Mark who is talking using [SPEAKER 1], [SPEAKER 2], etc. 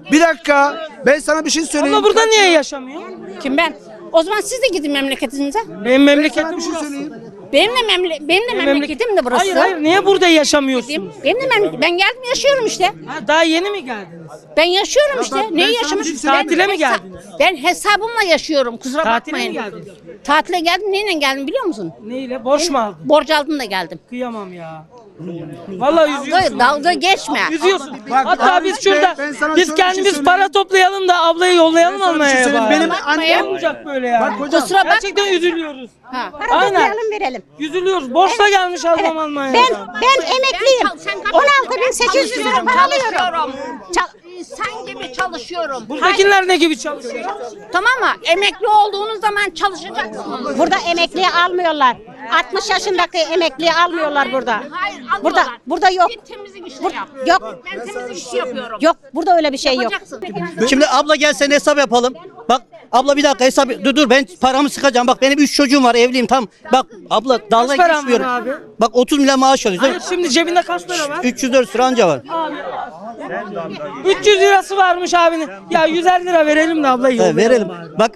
[SPEAKER 1] Bir dakika. Ben sana bir şey söyleyeyim.
[SPEAKER 2] Abla burada niye yaşamıyor?
[SPEAKER 3] Kim ben? O zaman siz de gidin memleketinize.
[SPEAKER 2] Benim memleketim
[SPEAKER 1] Bir şey
[SPEAKER 2] burası.
[SPEAKER 1] söyleyeyim.
[SPEAKER 3] Benim de memleketim de burası.
[SPEAKER 2] Hayır hayır, niye burada yaşamıyorsun?
[SPEAKER 3] Benim de ben geldim yaşıyorum işte.
[SPEAKER 2] Ha, daha yeni mi geldiniz?
[SPEAKER 3] Ben yaşıyorum işte.
[SPEAKER 1] bak,
[SPEAKER 3] Neyi
[SPEAKER 1] ben sana
[SPEAKER 3] yaşamış?
[SPEAKER 1] bir şey söyleyeyim.
[SPEAKER 2] Tatile mi geldiniz?
[SPEAKER 3] Ben hesabımla yaşıyorum. Kusura
[SPEAKER 2] Tatile
[SPEAKER 3] bakmayın.
[SPEAKER 2] mi geldiniz?
[SPEAKER 3] Tatile geldim. Neyle geldim biliyor musun?
[SPEAKER 2] Neyle? Borç mu aldın?
[SPEAKER 3] Borç aldım da geldim.
[SPEAKER 2] Kıyamam ya. Vallahi üzüyorsun.
[SPEAKER 3] Dalga geçme.
[SPEAKER 2] Üzüyorsun.
[SPEAKER 1] Bak,
[SPEAKER 2] Hatta
[SPEAKER 1] abi,
[SPEAKER 2] biz şurada
[SPEAKER 1] ben sana
[SPEAKER 2] biz
[SPEAKER 1] şöyle bir şey
[SPEAKER 2] kendimiz
[SPEAKER 1] söyleyeyim.
[SPEAKER 2] para toplayalım da ablayı yollayalım
[SPEAKER 1] Ben sana bir şey
[SPEAKER 2] almaya
[SPEAKER 1] söyleyeyim.
[SPEAKER 2] bari.
[SPEAKER 1] Benim
[SPEAKER 3] Bakmayın.
[SPEAKER 1] annem.
[SPEAKER 2] Ne olacak böyle ya?
[SPEAKER 1] Bak hocam.
[SPEAKER 3] Kusura bak.
[SPEAKER 2] Gerçekten üzülüyoruz.
[SPEAKER 3] Ha.
[SPEAKER 2] Aynen.
[SPEAKER 4] Verelim.
[SPEAKER 2] Üzülüyoruz. Borçla gelmiş adam Almanya'ya.
[SPEAKER 4] Ben emekliyim. 16.800 lira para alıyorum.
[SPEAKER 3] İnsan gibi çalışıyorum.
[SPEAKER 2] Buradakiler ne gibi çalışıyor?
[SPEAKER 3] Tamam mı? Emekli olduğunuz zaman çalışacaksınız.
[SPEAKER 4] Burada emekliye almıyorlar. 60 yaşındaki emekliye almıyorlar burada.
[SPEAKER 3] Hayır almıyorlar.
[SPEAKER 4] Burada yok.
[SPEAKER 3] Git temizlik işini
[SPEAKER 4] Bur-
[SPEAKER 3] yap.
[SPEAKER 4] yok.
[SPEAKER 3] Ben temizlik işi yapıyorum.
[SPEAKER 4] Yok burada öyle bir şey yok.
[SPEAKER 3] Yapacaksın.
[SPEAKER 5] Şimdi abla gel sen hesap yapalım. Bak abla bir dakika hesap dur ben paramı sıkacağım. Bak benim 3 çocuğum var evliyim tam. Bak abla dalga
[SPEAKER 2] paran var
[SPEAKER 5] geçmiyorum.
[SPEAKER 2] abi?
[SPEAKER 5] Bak 30 milyon maaş alıyoruz değil
[SPEAKER 2] Hayır,
[SPEAKER 5] mi?
[SPEAKER 2] şimdi cebinde kaç lira var?
[SPEAKER 5] 304 lira anca var.
[SPEAKER 2] 300 lirası varmış abinin. Ya 150 lira verelim de ablayı
[SPEAKER 5] He,
[SPEAKER 2] yollayalım
[SPEAKER 5] verelim.
[SPEAKER 2] bari.
[SPEAKER 5] Bak